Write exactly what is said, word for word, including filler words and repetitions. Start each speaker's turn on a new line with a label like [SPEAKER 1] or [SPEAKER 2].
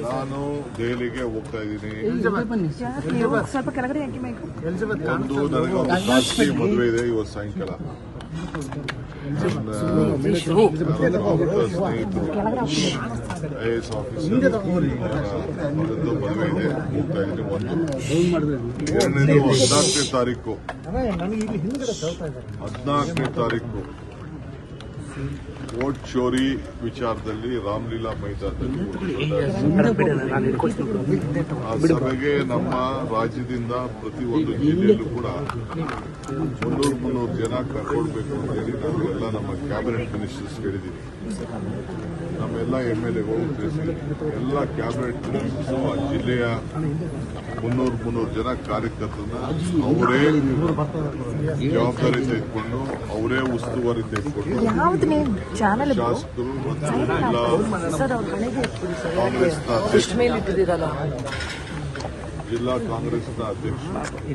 [SPEAKER 1] ನಾನು ದೆಹಲಿಗೆ ಹೋಗ್ತಾ ಇದ್ದೀನಿ.
[SPEAKER 2] ಸ್ವಲ್ಪ ಕೆಳಗಡೆ ಯಾಕೆ ಬೇಕು?
[SPEAKER 1] ಒಂದು ನನಗೆ ಒಂದು ಖಾಸಗಿ ಮದುವೆ ಇದೆ ಇವತ್ತು ಸಾಯಂಕಾಲ. ನನ್ನ ಸ್ನೇಹಿತರು ಐ ಎ ಎಸ್ ಆಫೀಸರ್ ಅವರದ್ದು ಮದುವೆ ಇದೆ, ಹೋಗ್ತಾ ಇದ್ದೀನಿ. ಒಂದು ಎರಡನೇದು ಹದಿನಾಲ್ಕನೇ ತಾರೀಕು ಹದಿನಾಲ್ಕನೇ ತಾರೀಕು ವೋಟ್ ಚೋರಿ ವಿಚಾರದಲ್ಲಿ ರಾಮಲೀಲಾ ಮೈದಾನದಲ್ಲಿ ಆ ಸಭೆಗೆ ನಮ್ಮ ರಾಜ್ಯದಿಂದ ಪ್ರತಿಯೊಂದು ಜಿಲ್ಲೆಯಲ್ಲೂ ಕೂಡ ಮುನ್ನೂರು ಮುನ್ನೂರು ಜನ ಕರ್ಕೊಳ್ಬೇಕು ಅಂತ ಹೇಳಿ ನಾವು ಎಲ್ಲ ನಮ್ಮ ಕ್ಯಾಬಿನೆಟ್ ಮಿನಿಸ್ಟರ್ಸ್ ಹೇಳಿದ್ದೀವಿ. ನಮ್ಮೆಲ್ಲ ಎಂ ಎಲ್ ಎಗಳು ಎಲ್ಲ ಕ್ಯಾಬಿನೆಟ್ ಮಿನಿಸ್ಟರ್ಸ್ ಆ ಜಿಲ್ಲೆಯ ಮುನ್ನೂರು ಮುನ್ನೂರು ಜನ ಕಾರ್ಯಕರ್ತರನ್ನ ಅವರೇ ಜವಾಬ್ದಾರಿ ತೆಗೆದುಕೊಂಡು ಅವರೇ ಉಸ್ತುವಾರಿ ತೆಗೆದುಕೊಂಡು ಶಾಸಕರು ಮತ್ತು ಜಿಲ್ಲಾ ಕಾಂಗ್ರೆಸ್ನ ಅಧ್ಯಕ್ಷ ಜಿಲ್ಲಾ ಕಾಂಗ್ರೆಸ್ನ ಅಧ್ಯಕ್ಷ